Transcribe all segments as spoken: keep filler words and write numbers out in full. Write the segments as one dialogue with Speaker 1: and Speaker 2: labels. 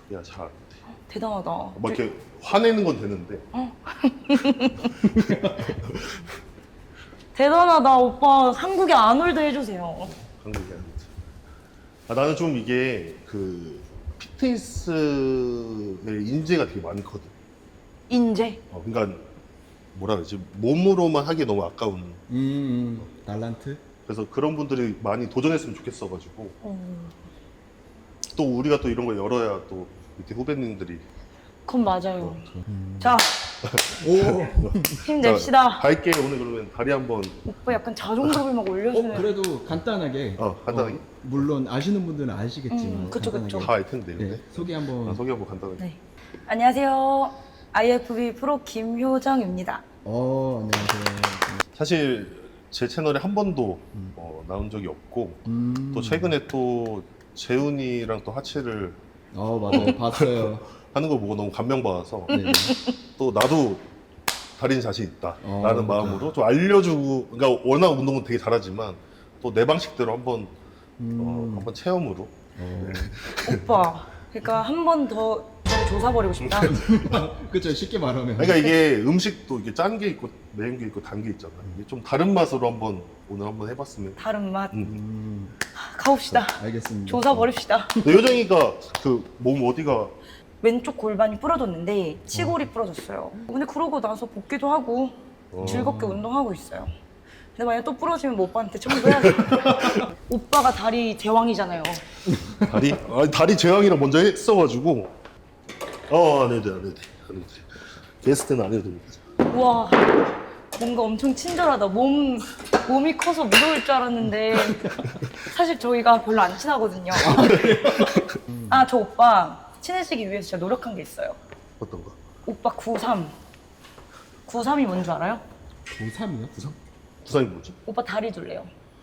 Speaker 1: 야, 잘 안 돼.
Speaker 2: 대단하다.
Speaker 1: 막 이렇게 화내는 건 되는데.
Speaker 2: 대단하다. 오빠 한국에 아놀드 해주세요.
Speaker 1: 한국이 안 돼. 아, 나는 좀 이게 그 피트니스의 인재가 되게 많거든.
Speaker 2: 인재.
Speaker 1: 어, 그러니까 뭐라 그러지? 몸으로만 하기 너무 아까운.
Speaker 3: 음, 음. 달란트?
Speaker 1: 그래서 그런 분들이 많이 도전했으면 좋겠어가지고.
Speaker 2: 어,
Speaker 1: 또 우리가 또 이런 걸 열어야 또 밑에 후배님들이.
Speaker 2: 그건 맞아요.
Speaker 3: 음.
Speaker 2: 자,
Speaker 3: 오!
Speaker 2: 힘냅시다.
Speaker 1: 갈게. 오늘 그러면 다리 한번.
Speaker 2: 오빠 약간 자존감을 막 올려주네.
Speaker 3: 어, 그래도 간단하게.
Speaker 1: 어, 간단하게?
Speaker 3: 물론 아시는 분들은 아시겠지만.
Speaker 2: 음, 그쵸,
Speaker 3: 간단하게.
Speaker 2: 그쵸.
Speaker 1: 다 알 텐데.
Speaker 3: 네,
Speaker 1: 근데.
Speaker 3: 소개 한번.
Speaker 1: 아, 소개 한번 간단하게.
Speaker 2: 네. 안녕하세요. 아이에프비 프로 김효정입니다.
Speaker 3: 어, 안녕하세요.
Speaker 1: 사실 제 채널에 한 번도 어, 나온 적이 없고
Speaker 3: 음.
Speaker 1: 또 최근에 또 재훈이랑 또 하체를
Speaker 3: 어, 맞아요. 봤어요.
Speaker 1: 하는 걸 보고 너무 감명받아서
Speaker 3: 네.
Speaker 1: 또 나도 달인 자신 있다
Speaker 3: 어,
Speaker 1: 라는
Speaker 3: 맞아.
Speaker 1: 마음으로 좀 알려주고, 그러니까 워낙 운동은 되게 잘하지만 또 내 방식대로 한번
Speaker 3: 음.
Speaker 1: 어, 한번 체험으로.
Speaker 3: 어.
Speaker 2: 오빠, 그러니까 한 번 더 조사버리고 싶다.
Speaker 3: 그쵸, 쉽게 말하면.
Speaker 1: 그러니까 이게 음식도 이게 짠 게 있고 매운 게 있고 단 게 있잖아. 이게 좀 다른 맛으로 한번 오늘 한번 해봤으면.
Speaker 2: 다른 맛.
Speaker 1: 음.
Speaker 3: 음.
Speaker 2: 가봅시다.
Speaker 3: 알겠습니다.
Speaker 2: 조사버립시다.
Speaker 1: 근데 요정이가 그 몸 어디가
Speaker 2: 왼쪽 골반이 부러졌는데 치골이 부러졌어요. 근데 그러고 나서 복귀도 하고
Speaker 1: 어.
Speaker 2: 즐겁게 운동하고 있어요. 근데 만약 또 부러지면 뭐 오빠한테 청구해야겠다. 오빠가 다리 제왕이잖아요.
Speaker 1: 다리? 아니, 다리 제왕이랑 먼저 했어가지고. 어, 안 해도 돼, 안 해도 돼, 안 해도 돼. 게스트는 안 해도 됩니다.
Speaker 2: 우와, 뭔가 엄청 친절하다. 몸, 몸이 커서 무서울 줄 알았는데 사실 저희가 별로 안 친하거든요. 아, 저 오빠 친해지기 위해서 제가 노력한 게 있어요.
Speaker 1: 어떤 거?
Speaker 2: 오빠 구삼. 구삼이 뭔 줄 알아요?
Speaker 3: 구삼이요? 구삼?
Speaker 1: 구상이 뭐지?
Speaker 2: 오빠 다리 둘래요.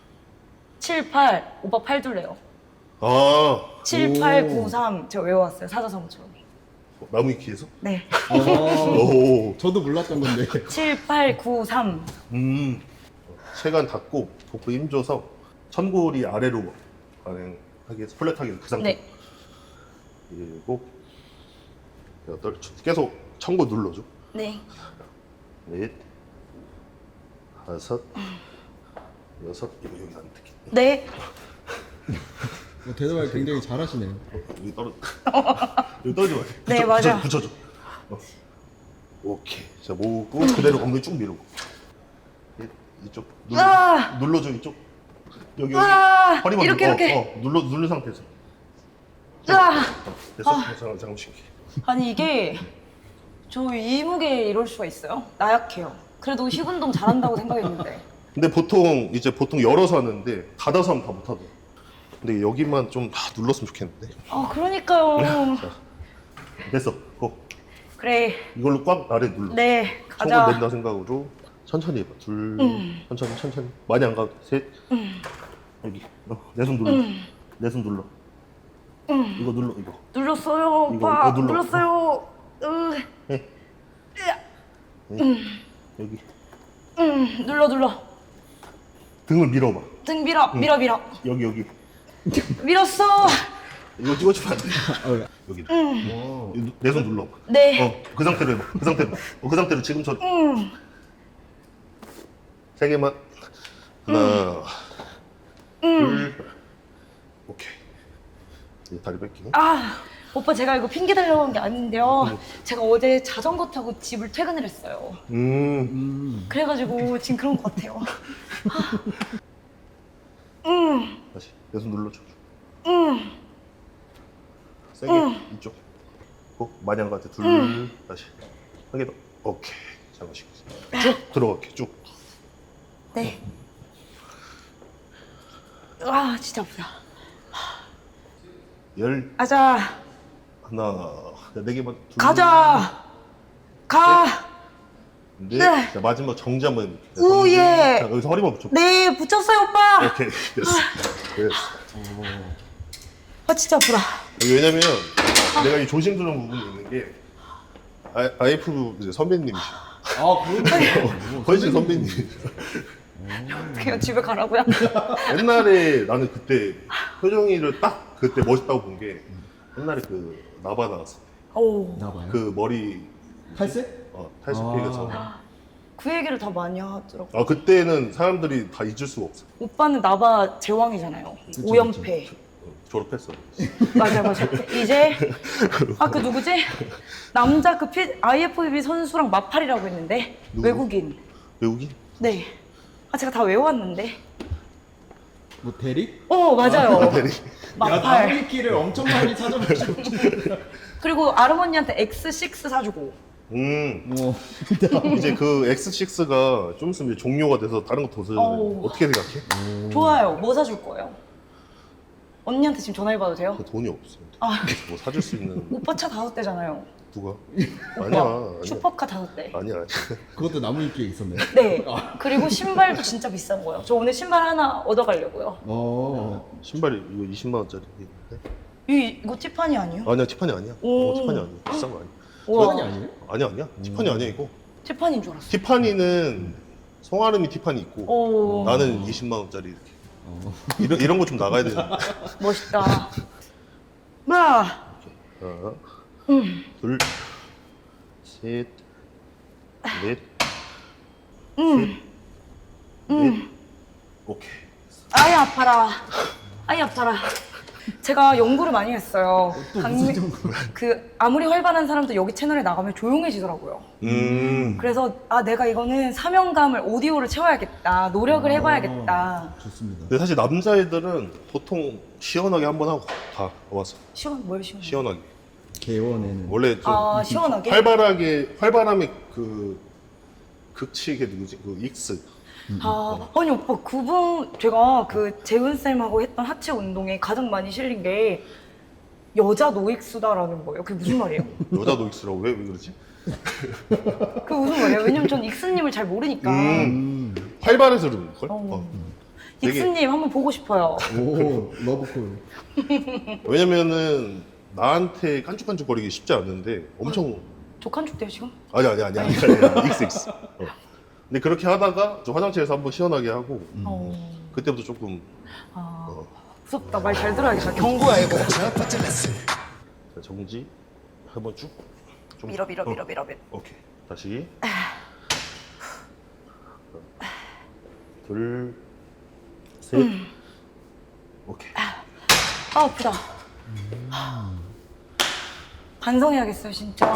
Speaker 2: 칠, 팔, 오빠 팔 둘래요.
Speaker 1: 아,
Speaker 2: 칠, 팔, 구, 삼 제가 외워왔어요. 사자성어처럼.
Speaker 1: 나무 위키에서?
Speaker 2: 네.
Speaker 3: 어,
Speaker 1: 오,
Speaker 3: 저도 몰랐던 건데.
Speaker 2: 칠, 팔, 구, 삼.
Speaker 1: 음. 체간 닫고 복부 힘줘서 천골이 아래로 반응하게 해서 플랫하게 그 상태.
Speaker 2: 네.
Speaker 1: 일곱, 여덟, 계속 천골 눌러줘.
Speaker 2: 네.
Speaker 1: 넷, 다섯, 여섯, 이거 여기 안 듣게.
Speaker 2: 네.
Speaker 3: 뭐 대답을 굉장히 잘하시네요.
Speaker 1: 여기 떨어. 여기 떨어지 마.
Speaker 2: 네,
Speaker 1: 붙여,
Speaker 2: 맞아.
Speaker 1: 붙여줘. 붙여줘. 어. 오케이. 자, 모으고 그대로 엉덩이 쭉 밀고. 이- 이쪽 눌러,
Speaker 2: 아!
Speaker 1: 눌러줘 이쪽. 여기 여기.
Speaker 2: 아!
Speaker 1: 허리만
Speaker 2: 이렇게,
Speaker 1: 눌러.
Speaker 2: 이렇게.
Speaker 1: 어, 어, 눌러 누른 상태에서.
Speaker 2: 으아!
Speaker 1: 됐어?
Speaker 2: 아.
Speaker 1: 잠깐 잠깐 쉴게.
Speaker 2: 아니 이게 저 이 무게에 이럴 수가 있어요? 나약해요. 그래도 힙운동 잘한다고 생각했는데.
Speaker 1: 근데 보통 이제 보통 열어서 하는데 닫아서 하면 다 못하더라. 근데 여기만 좀 다 눌렀으면 좋겠는데.
Speaker 2: 아 그러니까요.
Speaker 1: 됐어. 고.
Speaker 2: 그래.
Speaker 1: 이걸로 꽉 아래 눌러.
Speaker 2: 네.
Speaker 1: 총을
Speaker 2: 가자.
Speaker 1: 낸다 생각으로 천천히 해봐. 둘,
Speaker 2: 음.
Speaker 1: 천천히 천천히. 많이 안 가도 돼. 셋. 여기. 어, 내 손 눌러.
Speaker 2: 음.
Speaker 1: 내 손 눌러.
Speaker 2: 음.
Speaker 1: 이거 눌러. 이거.
Speaker 2: 눌렀어요,
Speaker 1: 이거,
Speaker 2: 오빠.
Speaker 1: 이거 눌러.
Speaker 2: 눌렀어요. 으.
Speaker 1: 해.
Speaker 2: 으아.
Speaker 1: 네. 여기.
Speaker 2: 음. 눌러 눌러.
Speaker 1: 등을 밀어봐.
Speaker 2: 등 밀어 밀어 밀어.
Speaker 1: 여기 여기.
Speaker 2: 밀었어.
Speaker 1: 이거 찍어주면 안 돼.
Speaker 3: 어,
Speaker 1: 여기.
Speaker 3: 오.
Speaker 1: 내 손 눌러.
Speaker 2: 네.
Speaker 1: 어, 그 상태로 해봐. 그 상태로. 어, 그 상태로 지금처럼.
Speaker 2: 음.
Speaker 1: 세 개만. 하나, 둘. 오케이. 이제 다리 뺄게.
Speaker 2: 아, 오빠 제가 이거 핑계 대려고 한 게 아닌데요. 제가 어제 자전거 타고 집을 퇴근을 했어요.
Speaker 1: 음.
Speaker 3: 음.
Speaker 2: 그래가지고 지금 그런 것 같아요. 음,
Speaker 1: 다시 내 손 눌러줘.
Speaker 2: 음,
Speaker 1: 세게 이쪽. 어, 많이 한 것 같아. 둘. 다시. 한 개 더. 오케이. 잠깐씩. 쭉 들어갈게. 쭉.
Speaker 2: 네. 아, 진짜 아프다.
Speaker 1: 열
Speaker 2: 가자,
Speaker 1: 하나. 네 개만. 둘.
Speaker 2: 가자, 가.
Speaker 1: 네.
Speaker 2: 네.
Speaker 1: 자, 마지막 정지 한번.
Speaker 2: 오, 예.
Speaker 1: 자, 여기서 허리만 붙여.
Speaker 2: 네, 붙였어요, 오빠.
Speaker 1: 오케이. 됐어. 됐어.
Speaker 2: 아, 진짜 아프다.
Speaker 1: 왜냐면 내가 이 조심스러운 부분이 있는 게 아, 아이에프 이제 선배님이시죠.
Speaker 3: 아, 그런가요?
Speaker 1: 훨씬 선배님.
Speaker 2: 그냥 집에 가라고요?
Speaker 1: 옛날에 나는 그때 효정이를 딱 그때 멋있다고 본 게 옛날에 그 나바 나왔을 때
Speaker 2: 오.
Speaker 3: 나봐요.
Speaker 1: 그 머리
Speaker 3: 탈색?
Speaker 1: 어, 탈색 피해가 전.
Speaker 2: 그 얘기를 다 많이 하더라고.
Speaker 1: 아 그때는 사람들이 다 잊을 수가 없어.
Speaker 2: 오빠는 나바 제왕이잖아요.
Speaker 3: 그쵸,
Speaker 2: 오연패.
Speaker 1: 어, 졸업했어.
Speaker 2: 맞아 맞아. 이제 아 그 누구지? 남자 그 피, 아이에프비비 선수랑 마팔이라고 했는데
Speaker 1: 누구?
Speaker 2: 외국인.
Speaker 1: 외국인?
Speaker 2: 네. 아 제가 다 외워왔는데.
Speaker 3: 뭐 대리?
Speaker 2: 어 맞아요.
Speaker 1: 대리.
Speaker 3: 야,
Speaker 2: 마팔.
Speaker 3: 나무위키를 엄청 많이 찾아보시고.
Speaker 2: 그리고 아르머니한테 엑스 식스 사주고.
Speaker 1: 음.
Speaker 3: 뭐
Speaker 1: 이제 그 엑스 식스가 좀 있으면 이제 종료가 돼서 다른 거 더 써야 돼.
Speaker 2: 어우.
Speaker 1: 어떻게 생각해?
Speaker 2: 좋아요. 뭐 사줄 거예요? 언니한테 지금 전화해봐도 돼요?
Speaker 1: 그 돈이 없어.
Speaker 2: 아.
Speaker 1: 뭐 사줄 수 있는
Speaker 2: 오빠 차 다섯 대잖아요.
Speaker 1: 누가?
Speaker 2: 오빠
Speaker 1: 아니야. 아니야.
Speaker 2: 슈퍼카 다섯 대.
Speaker 1: 아니야. 아니야.
Speaker 3: 그것도 나무위키에 있었네.
Speaker 2: 네. 그리고 신발도 진짜 비싼 거예요. 저 오늘 신발 하나 얻어가려고요.
Speaker 3: 어.
Speaker 1: 신발이 이거 이십만 원짜리 있는데?
Speaker 2: 이 이거 티파니 아니에요?
Speaker 1: 아니야 티파니 아니야.
Speaker 2: 오.
Speaker 1: 어, 티파니 아니야. 비싼 거 아니야.
Speaker 2: 우와.
Speaker 3: 티파니 아니에요?
Speaker 1: 아니야 아니야. 티파니 아니야 이거.
Speaker 2: 티파니인 줄 알았어.
Speaker 1: 티파니는 성아름이 티파니 있고
Speaker 2: 오.
Speaker 1: 나는 이십만 원짜리 이렇게.
Speaker 3: 어.
Speaker 1: 이런 이런 거 좀 나가야 되는데.
Speaker 2: 멋있다. 마.
Speaker 1: 하나,
Speaker 2: 음.
Speaker 1: 둘, 셋, 넷,
Speaker 2: 음.
Speaker 1: 넷. 오케이.
Speaker 2: 아이 아파라. 아이 아파라. 제가 연구를 많이 했어요.
Speaker 3: 또
Speaker 2: 강미-
Speaker 3: 무슨 정보?
Speaker 2: 그 아무리 활발한 사람도 여기 채널에 나가면 조용해지더라고요.
Speaker 1: 음.
Speaker 2: 그래서 아 내가 이거는 사명감을 오디오를 채워야겠다. 노력을 해봐야겠다.
Speaker 3: 아, 좋습니다.
Speaker 1: 근데 사실 남자애들은 보통 시원하게 한번 하고 다 와서
Speaker 2: 시원 뭘 시원?
Speaker 1: 시원하게.
Speaker 3: 개원에는
Speaker 1: 원래 좀
Speaker 2: 아 시원하게?
Speaker 1: 활발하게 활발함의 그 극치 이게 누구지? 그 익스.
Speaker 2: 아 아니 오빠 그분 제가 그 재훈 쌤하고 했던 하체 운동에 가장 많이 실린 게 여자 노익수다라는 거예요. 그게 무슨 말이에요?
Speaker 1: 여자 노익스라고 왜, 왜 그러지?
Speaker 2: 그게 무슨 말이에요? 왜냐면 전 익스님을 잘 모르니까.
Speaker 1: 음.
Speaker 3: 음.
Speaker 1: 활발해서 그런 걸.
Speaker 2: 어.
Speaker 1: 어. 되게-
Speaker 2: 익스님 한번 보고 싶어요.
Speaker 3: 오 러브콜.
Speaker 1: 왜냐면은 나한테 깐죽깐죽거리기 쉽지 않은데 엄청
Speaker 2: 독한죽대요 지금?
Speaker 1: 아니 아니 아니 아니 아니 익스 익스. 어. 근데 그렇게 하다가 좀 화장실에서 한번 시원하게 하고
Speaker 2: 어.
Speaker 1: 그때부터 조금
Speaker 2: 아
Speaker 1: 어.
Speaker 2: 무섭다. 말 잘 들어야겠다. 경고야 이거.
Speaker 1: 자, 정지 한번 쭉. 좀-
Speaker 2: 밀어 밀어
Speaker 1: 어.
Speaker 2: 밀어 밀어 밀어.
Speaker 1: 오케이 다시 둘 셋. 오케이.
Speaker 2: 아 아프다. 반성해야겠어요 진짜.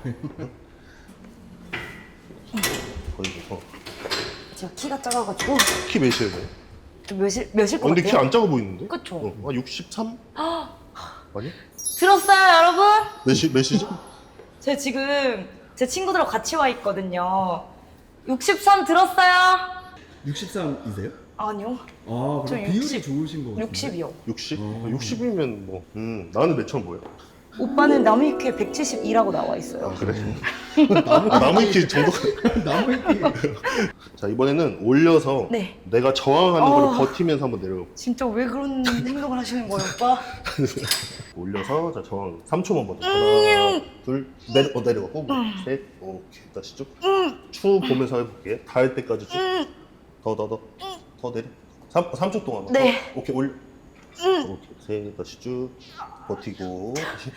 Speaker 1: 거의 어.
Speaker 2: 제가 키가 작아가지고
Speaker 1: 키 몇이에요? 어,
Speaker 2: 좀 몇일 몇일 것
Speaker 1: 근데
Speaker 2: 같아요?
Speaker 1: 키 안 작아 보이는데?
Speaker 2: 그쵸?
Speaker 1: 어, 한 육십삼? 아니?
Speaker 2: 들었어요 여러분?
Speaker 1: 몇이 몇이죠?
Speaker 2: 제가 지금 제 친구들하고 같이 와 있거든요. 육십삼 들었어요?
Speaker 3: 육십삼이세요?
Speaker 2: 아니요.
Speaker 3: 아,
Speaker 2: 저
Speaker 3: 그럼 비율이
Speaker 2: 육십.
Speaker 3: 좋으신 거 같은데.
Speaker 2: 육십이요.
Speaker 1: 육십?
Speaker 3: 어.
Speaker 1: 육십이면 뭐 음, 나는 몇천 보여?
Speaker 2: 오빠는 남이큐에 백칠십이라고 나와 있어요.
Speaker 1: 아 그래? 아, 나무 위키 정도.
Speaker 3: 나무위키.
Speaker 1: 자 이번에는 올려서
Speaker 2: 네.
Speaker 1: 내가 저항하는
Speaker 2: 어.
Speaker 1: 거를 버티면서 한번 내려가.
Speaker 2: 진짜 왜 그런 행동을 하시는 거예요, 오빠?
Speaker 1: 올려서 자 저항 삼 초만 버텨. 하나, 둘, 내려 어, 내려가고 셋, 오케이 다시 쭉. 추 보면서 해볼게. 닿을 때까지 쭉. 더 더 더 더 내려. 삼 초 동안.
Speaker 2: 네.
Speaker 1: 더. 오케이 올. 오케이 셋 다시 쭉 버티고 다시.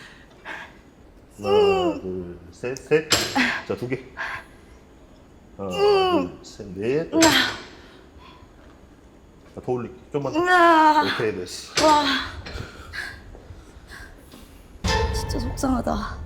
Speaker 1: 하나 둘 셋 셋. 자 두 개. 하나 둘 셋 넷. 자, 더 올릴게. 좀만 더.
Speaker 2: 으아,
Speaker 1: 오케이 됐어.
Speaker 2: 와. 진짜 속상하다.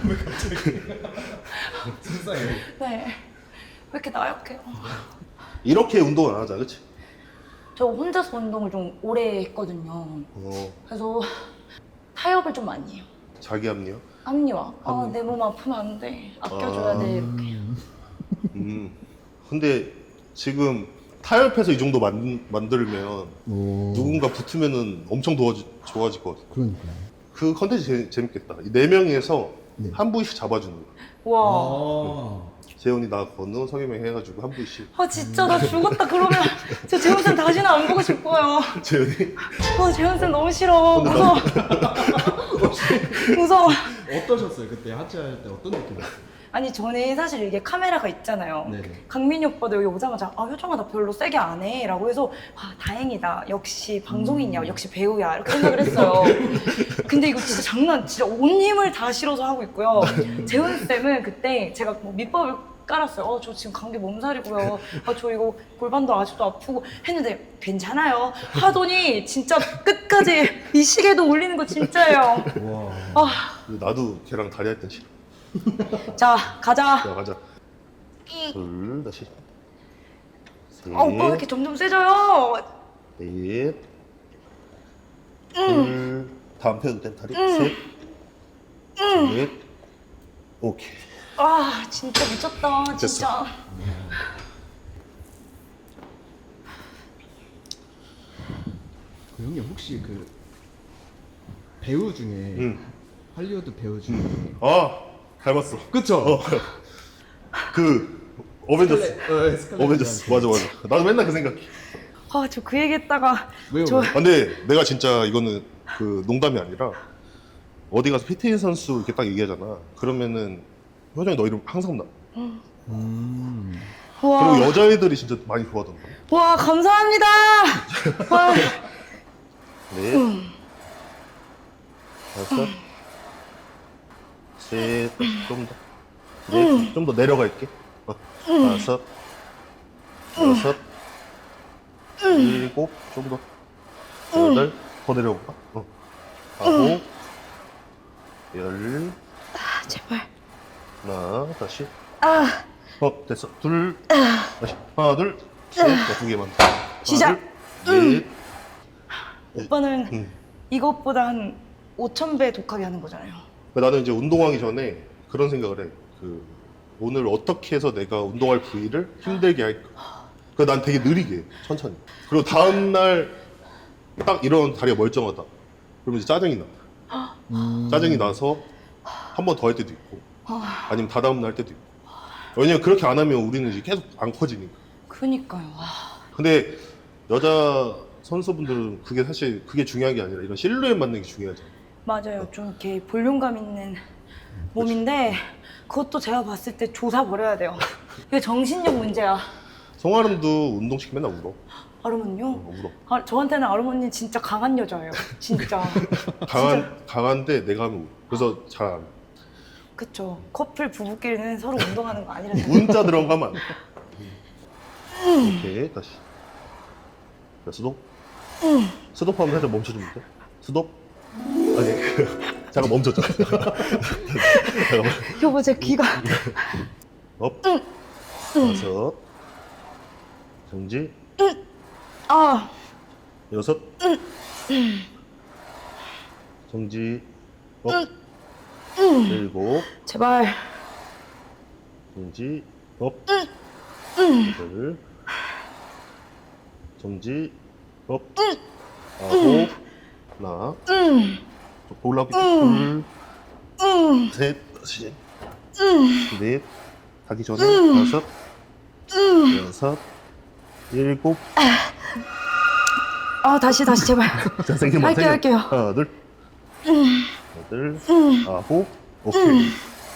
Speaker 3: 속상해.
Speaker 2: 네. 왜 이렇게 나약해요?
Speaker 1: 이렇게 운동을 안 하자, 그렇지?
Speaker 2: 저 혼자서 운동을 좀 오래 했거든요.
Speaker 1: 어,
Speaker 2: 그래서 타협을 좀 많이 해요.
Speaker 1: 자기 합리화.
Speaker 2: 합리화. 아,
Speaker 1: 합리화.
Speaker 2: 내 몸 아프면 안 돼. 아껴줘야
Speaker 1: 아.
Speaker 2: 돼. 이렇게.
Speaker 1: 음. 근데 지금 타협해서 이 정도 만, 만들면
Speaker 3: 오.
Speaker 1: 누군가 붙으면은 엄청 도와지, 좋아질 것 같아.
Speaker 3: 그러니까요.
Speaker 1: 그 컨텐츠 재, 재밌겠다. 이 네 명에서
Speaker 3: 네.
Speaker 1: 한 부위씩 잡아주는 거야.
Speaker 2: 와.
Speaker 3: 아.
Speaker 1: 재훈이, 나, 건우, 성희명 해가지고 한 부위씩.
Speaker 2: 아, 진짜 나 죽었다. 그러면 저 재훈쌤 다시는 안 보고 싶어요.
Speaker 1: 재훈이?
Speaker 2: 아, 재훈쌤 너무 싫어.
Speaker 1: 근데
Speaker 2: 무서워. 무서워.
Speaker 3: 어떠셨어요? 그때 하체할 때 어떤 느낌이었어요?
Speaker 2: 아니 저는 사실 이게 카메라가 있잖아요.
Speaker 3: 네네.
Speaker 2: 강민이 오빠도 여기 오자마자 아 효정아 나 별로 세게 안 해 라고 해서 아 다행이다 역시 방송인이야
Speaker 3: 음.
Speaker 2: 역시 배우야 이렇게 생각을 했어요. 근데 이거 진짜 장난 진짜 온 힘을 다 실어서 하고 있고요. 재훈쌤은 그때 제가 뭐 밑밥을 깔았어요. 어, 저 지금 감기 몸살이고요. 아, 저 이거 골반도 아직도 아프고 했는데 괜찮아요. 하더니 진짜 끝까지 이 시계도 올리는 거 진짜예요.
Speaker 3: 와.
Speaker 2: 아,
Speaker 1: 나도 걔랑 다리 할 땐 싫어.
Speaker 2: 자 가자.
Speaker 1: 자, 가자. 둘, 다시. 셋,
Speaker 2: 아 오빠 왜 이렇게 점점 세져요?
Speaker 1: 넷, 둘, 다음 펴도 된 다리. 셋, 넷, 오케이.
Speaker 2: 아 진짜 미쳤다 진짜.
Speaker 3: 그 형님 혹시 그 배우 중에
Speaker 1: 응.
Speaker 3: 할리우드 배우 중에
Speaker 1: 아, 닮았어.
Speaker 3: 그쵸?
Speaker 1: 어. 그 어벤져스.
Speaker 3: 스칼렛- 어, 스칼렛
Speaker 1: 어벤져스.
Speaker 3: 요한슨.
Speaker 1: 맞아, 맞아. 나도 맨날 그 생각해.
Speaker 2: 아 저 그 얘기했다가
Speaker 3: 왜요?
Speaker 2: 저
Speaker 3: 왜요?
Speaker 1: 아, 근데 내가 진짜 이거는 그 농담이 아니라 어디 가서 피트인 선수 이렇게 딱 얘기하잖아. 그러면은 효정이 너 이름 항상 나.
Speaker 3: 음.
Speaker 2: 와,
Speaker 1: 그리고 여자애들이 진짜 많이 좋아하던데.
Speaker 2: 와 감사합니다. 와,
Speaker 1: 넷, 다섯, 셋, 좀 더, 넷, 좀 더 내려갈게. 어, 다섯, 여섯, 일곱, 좀 더, 여덟, 더 내려볼까? 어, 아홉, 열,
Speaker 2: 아, 제발.
Speaker 1: 하나, 다시.
Speaker 2: 아
Speaker 1: 어, 됐어. 둘, 다시. 하나, 둘, 셋, 어, 두 개만. 하나,
Speaker 2: 시작.
Speaker 1: 둘, 넷.
Speaker 2: 오빠는
Speaker 1: 응.
Speaker 2: 이것보다 한 오천 배 독하게 하는 거잖아요.
Speaker 1: 나는 이제 운동하기 전에 그런 생각을 해. 그 오늘 어떻게 해서 내가 운동할 부위를 힘들게 할까. 그 난 되게 느리게 해, 천천히. 그리고 다음 날 딱 이런 다리가 멀쩡하다. 그러면 이제 짜증이 나.
Speaker 3: 음.
Speaker 1: 짜증이 나서 한 번 더 할 때도 있고, 아니면 다다음 날 할 때도 있고. 왜냐면 그렇게 안 하면 우리는 이제 계속 안 커지니까.
Speaker 2: 그니까요. 와.
Speaker 1: 근데 여자 선수분들은 그게 사실 그게 중요한 게 아니라 이런 실루엣 맞는 게 중요하잖아.
Speaker 2: 맞아요. 좀 이렇게 볼륨감 있는 몸인데 그것도 제가 봤을 때 조사 버려야 돼요. 이게 정신력 문제야.
Speaker 1: 송아름도 운동시키면 맨날 울어.
Speaker 2: 아르몬요?
Speaker 1: 어, 울어.
Speaker 2: 아, 저한테는 아르몬님 진짜 강한 여자예요. 진짜.
Speaker 1: 강한, 강한데 내가 하면 울어. 그래서 잘 안 해.
Speaker 2: 그쵸. 커플 부부끼리는 서로 운동하는 거 아니라서.
Speaker 1: 문자 들어가면 안 돼. 오케이, 다시. 자, 스톱. 스톱하면 살짝 멈춰주면 돼. 스톱. 아니, 잠깐 멈췄잖아. 잠깐만.
Speaker 2: 여보, 제 귀가.
Speaker 1: 업. 다섯. 정지.
Speaker 2: 아,
Speaker 1: 여섯. 정지. 업. 일곱.
Speaker 2: 제발.
Speaker 1: 정지. 업. 여덟. 정지. 업. 아홉. 하나. 올라오기 둘. 셋. 다시. 넷. 가기 전에 다섯. 여섯. 일곱.
Speaker 2: 아, 다시, 다시, 제발.
Speaker 1: 자, 세 개만, 세
Speaker 2: 할게요,
Speaker 1: 개.
Speaker 2: 할게요.
Speaker 1: 하나, 둘. 여덟. 아홉. 오케이. 오케이.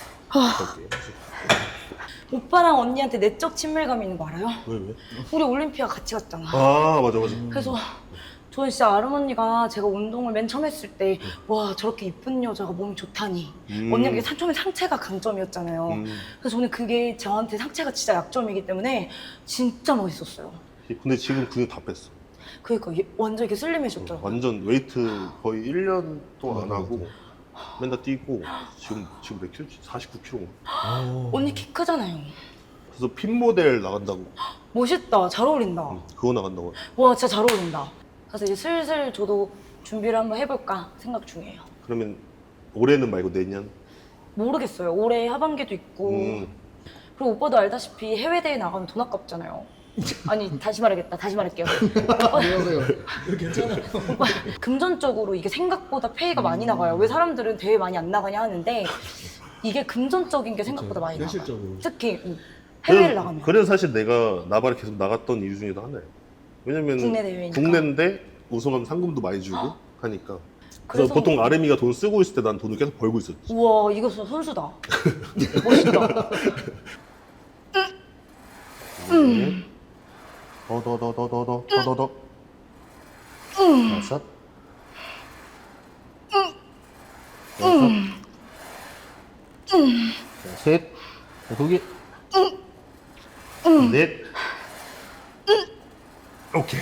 Speaker 2: 오빠랑 언니한테 내적 친밀감 있는 거 알아요?
Speaker 1: 왜, 왜?
Speaker 2: 우리 올림피아 같이 갔잖아.
Speaker 1: 아, 맞아, 맞아.
Speaker 2: 그래서 저는 진짜 아름 언니가 제가 운동을 맨 처음 했을 때 와 저렇게 이쁜 여자가 몸이 좋다니.
Speaker 1: 음.
Speaker 2: 언니가 이게 상- 처음에 상체가 강점이었잖아요.
Speaker 1: 음.
Speaker 2: 그래서 저는 그게 저한테 상체가 진짜 약점이기 때문에 진짜 멋있었어요.
Speaker 1: 근데 지금 근육 다 뺐어.
Speaker 2: 그러니까 얘 완전 이렇게 슬림해졌더라고요.
Speaker 1: 완전 웨이트 거의 일 년 동안 안
Speaker 3: 맞아,
Speaker 1: 하고 맨날 뛰고 지금 지금 몇 킬로지? 사십구 킬로인가?
Speaker 3: 오.
Speaker 2: 언니 키 크잖아요.
Speaker 1: 그래서 핀 모델 나간다고.
Speaker 2: 멋있다. 잘 어울린다.
Speaker 1: 응, 그거 나간다고.
Speaker 2: 와 진짜 잘 어울린다. 그래서 이제 슬슬 저도 준비를 한번 해볼까 생각 중이에요.
Speaker 1: 그러면 올해는 말고 내년.
Speaker 2: 모르겠어요. 올해 하반기도 있고
Speaker 1: 음.
Speaker 2: 그리고 오빠도 알다시피 해외 대회 나가면 돈 아깝잖아요. 아니 다시 말하겠다. 다시 말할게요.
Speaker 3: 왜요 왜요? 이거 괜찮아요.
Speaker 2: 오빠 금전적으로 이게 생각보다 페이가 많이 나가요. 왜 사람들은 대회 많이 안 나가냐 하는데 이게 금전적인 게 생각보다 많이 나가요.
Speaker 3: 현실적으로.
Speaker 2: 특히 음, 해외를
Speaker 1: 그래서-
Speaker 2: 나가면.
Speaker 1: 그래서 사실 내가 나발에 계속 나갔던 이유 중에도 하나예요. 왜냐면
Speaker 2: 국내 대회니까.
Speaker 1: 국내인데 우승하면 상금도 많이 주고 하니까. 그래서 보통 아르미가 돈 쓰고 있을 때 난 돈을 계속 벌고 있었지.
Speaker 2: 우와, 이거 진짜 선수다. 멋있다.
Speaker 1: 음. 더더더더더더더더. 다섯. 여섯. 셋. 거기. 넷. 오케이.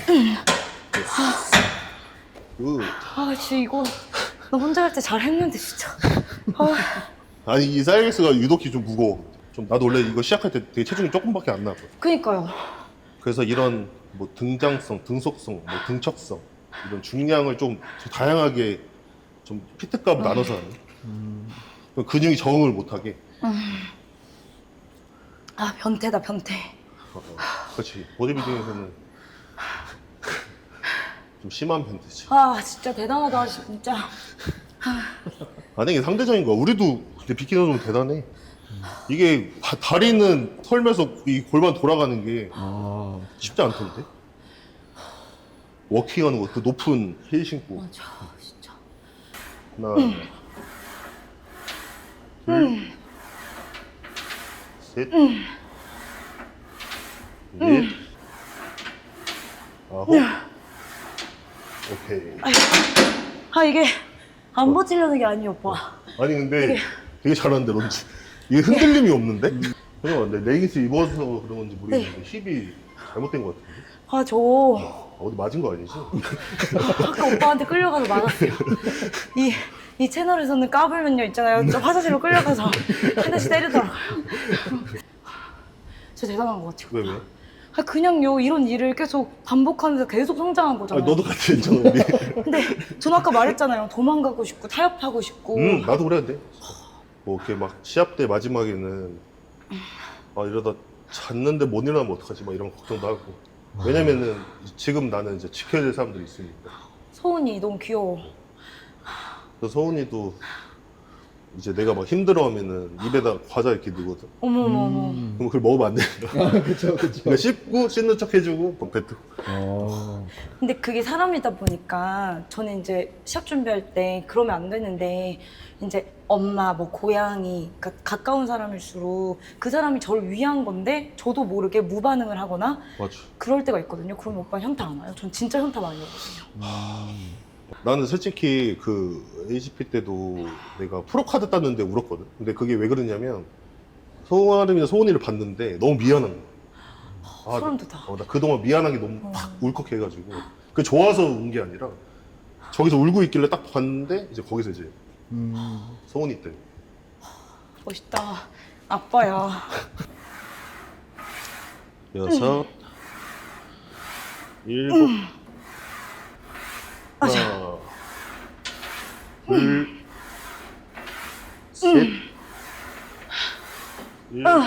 Speaker 1: 굿.
Speaker 2: 아, 진짜 이거 나 혼자 할 때 잘했는데 진짜. 아,
Speaker 1: 아니 이 사이렉스가 유독히 좀 무거워. 좀 나도 원래 이거 시작할 때 되게 체중이 조금밖에 안 나거든.
Speaker 2: 그니까요.
Speaker 1: 그래서 이런 뭐 등장성, 등속성, 뭐 등척성 이런 중량을 좀 다양하게 좀 피트값 나눠서 하는. 그럼 근육이 적응을 못하게.
Speaker 2: 아, 변태다, 변태.
Speaker 1: 어, 어. 그렇지. 보디빌딩에서는 좀 심한 편이지.
Speaker 2: 아, 진짜 대단하다, 진짜.
Speaker 1: 아니 이게 상대적인 거야. 우리도 근데 비키너 좀 대단해. 이게 다, 다리는 털면서 이 골반 돌아가는 게
Speaker 3: 아,
Speaker 1: 쉽지 않던데. 워킹하는 거, 그 높은 힐 신고.
Speaker 2: 맞아, 진짜.
Speaker 1: 하나, 둘, 셋, 넷, 아홉. 오케이.
Speaker 2: 아, 이게 안 버티려는 게 아니에요, 오빠.
Speaker 1: 아니 근데 되게 잘하는데 런지. 이게 흔들림이 없는데? 그냥 근데 레깅스 입어서 그런 건지 모르겠는데 힙이 잘못된 것 같은데?
Speaker 2: 아, 저
Speaker 1: 어디 맞은 거 아니지?
Speaker 2: 아까 오빠한테 끌려가서 맞았어요. 이, 이 채널에서는 까불면요 있잖아요. 저 화장실로 끌려가서 한 대씩 때리더라고요. 진짜 대단한 것 같아요.
Speaker 1: 왜 왜?
Speaker 2: 아, 그냥요, 이런 일을 계속 반복하면서 계속 성장한
Speaker 1: 아,
Speaker 2: 거잖아요.
Speaker 1: 너도 같이 했잖아 우리.
Speaker 2: 근데 저는 아까 말했잖아요. 도망가고 싶고 타협하고 싶고.
Speaker 1: 응 나도 그랬는데. 뭐 이렇게 막 시합 때 마지막에는 아 이러다 잤는데 못 일어나면 어떡하지 막 이런 걱정도 하고. 왜냐면은 지금 나는 이제 지켜야 될 사람들이 있으니까.
Speaker 2: 소은이 너무 귀여워.
Speaker 1: 그래서 서훈이도 이제 내가 막 힘들어하면은 입에다 과자 이렇게 넣거든.
Speaker 2: 어머머머.
Speaker 1: 그럼 그걸 먹으면 안 된다.
Speaker 3: 그쵸, 그쵸.
Speaker 1: 그러니까 씹고 씹는 척 해주고 막 뱉고.
Speaker 3: 어,
Speaker 2: 근데 그게 사람이다 보니까 저는 이제 시합 준비할 때 그러면 안 되는데 이제 엄마 뭐 고양이 그러니까 가까운 사람일수록 그 사람이 저를 위한 건데 저도 모르게 무반응을 하거나
Speaker 1: 맞아.
Speaker 2: 그럴 때가 있거든요. 그러면 오빠 현타 안 와요? 전 진짜 현타 많이 오거든요.
Speaker 1: 나는 솔직히 그 에이지피 때도 내가 프로카드 땄는데 울었거든. 근데 그게 왜 그러냐면 소아름이나 소은이를 봤는데 너무 미안한 거야. 아,
Speaker 2: 소름 돋아.
Speaker 1: 어, 나 그동안 미안하게 너무 팍 울컥해가지고 그 좋아서 운 게 아니라 저기서 울고 있길래 딱 봤는데 이제 거기서 이제
Speaker 3: 음,
Speaker 1: 소은이 때문에.
Speaker 2: 멋있다. 아빠야.
Speaker 1: 여섯, 일곱, 하나, 둘, 셋, 일곱,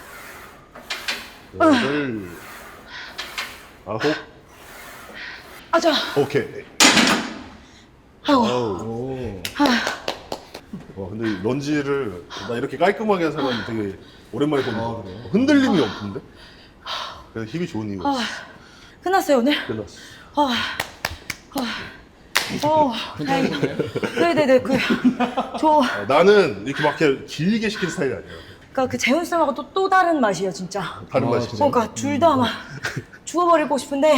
Speaker 1: 여덟, 아홉.
Speaker 2: 아자.
Speaker 1: 오케이.
Speaker 2: 아이고.
Speaker 1: 아우.
Speaker 3: 오,
Speaker 1: 와, 근데 런지를 나 이렇게 깔끔하게 한 사람 되게 오랜만에 보는
Speaker 3: 아,
Speaker 1: 거.
Speaker 3: 그래요?
Speaker 1: 흔들림이 없던데? 그래서 힘이 좋은 이유가
Speaker 2: 아,
Speaker 1: 있어.
Speaker 2: 끝났어요 오늘?
Speaker 1: 끝났어.
Speaker 2: 아, 아, 어, 다행이다. 네네네, 그, 저,
Speaker 1: 아, 나는 이렇게 막 이렇게 길게 시키는 스타일이 아니야.
Speaker 2: 그니까 그 재훈 쌤하고 또, 또 다른 맛이에요, 진짜.
Speaker 1: 다른
Speaker 3: 아,
Speaker 1: 맛이지.
Speaker 3: 진짜?
Speaker 2: 그러니까 둘 다 막 죽어버리고 싶은데,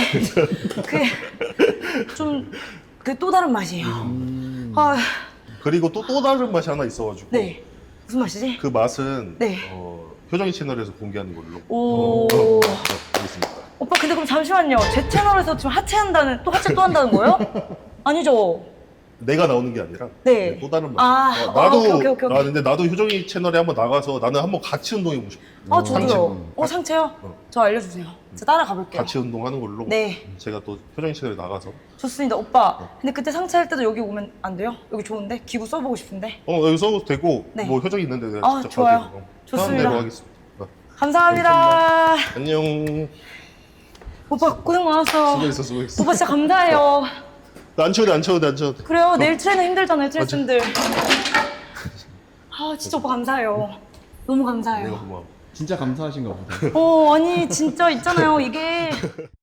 Speaker 2: 그, 좀, 그 또 다른 맛이에요.
Speaker 3: 음,
Speaker 2: 아,
Speaker 1: 그리고 또, 또 다른 맛이 하나 있어가지고.
Speaker 2: 네. 무슨 맛이지?
Speaker 1: 그 맛은
Speaker 2: 네.
Speaker 1: 어, 효정이 채널에서 공개하는 걸로.
Speaker 2: 오.
Speaker 1: 어, 알겠습니다.
Speaker 2: 오빠, 근데 그럼 잠시만요. 제 채널에서 지금 하체한다는, 또 하체 또 한다는 거예요? 아니죠?
Speaker 1: 내가 나오는 게 아니라
Speaker 2: 네.
Speaker 1: 또 다른 맛.
Speaker 2: 아,
Speaker 1: 어, 나도
Speaker 2: 어, 오케이, 오케이, 오케이.
Speaker 1: 아 근데 나도 효정이 채널에 한번 나가서 나는 한번 같이 운동해보고 싶어.
Speaker 2: 아, 저도요.
Speaker 3: 상체.
Speaker 2: 어, 상체요?
Speaker 1: 어.
Speaker 2: 저 알려주세요. 저 따라가 볼게요.
Speaker 1: 같이 운동하는 걸로.
Speaker 2: 네.
Speaker 1: 제가 또 효정이 채널에 나가서.
Speaker 2: 좋습니다. 오빠, 근데 그때 상체 할 때도 여기 오면 안 돼요? 여기 좋은데? 기구 써보고 싶은데?
Speaker 1: 어 여기 써도 되고
Speaker 2: 네.
Speaker 1: 뭐 효정이 있는데 내가
Speaker 2: 아,
Speaker 1: 직접
Speaker 2: 좋아요.
Speaker 1: 가도 되고. 어,
Speaker 2: 좋습니다.
Speaker 1: 편한 대로 하겠습니다. 어,
Speaker 2: 감사합니다.
Speaker 1: 안녕.
Speaker 2: 오빠, 고생 많았어.
Speaker 1: 수고했어 수고했어.
Speaker 2: 오빠 진짜 감사해요.
Speaker 1: 나 안 쳐도 돼, 안 쳐도 돼, 안 쳐도 돼.
Speaker 2: 그래요, 내일 트레이너 힘들잖아요, 트레이너들. 아, 진짜 오빠 감사해요. 너무
Speaker 1: 내가
Speaker 2: 감사해요.
Speaker 1: 고마워.
Speaker 3: 진짜 감사하신가 보다.
Speaker 2: 어, 아니, 진짜 있잖아요, 이게.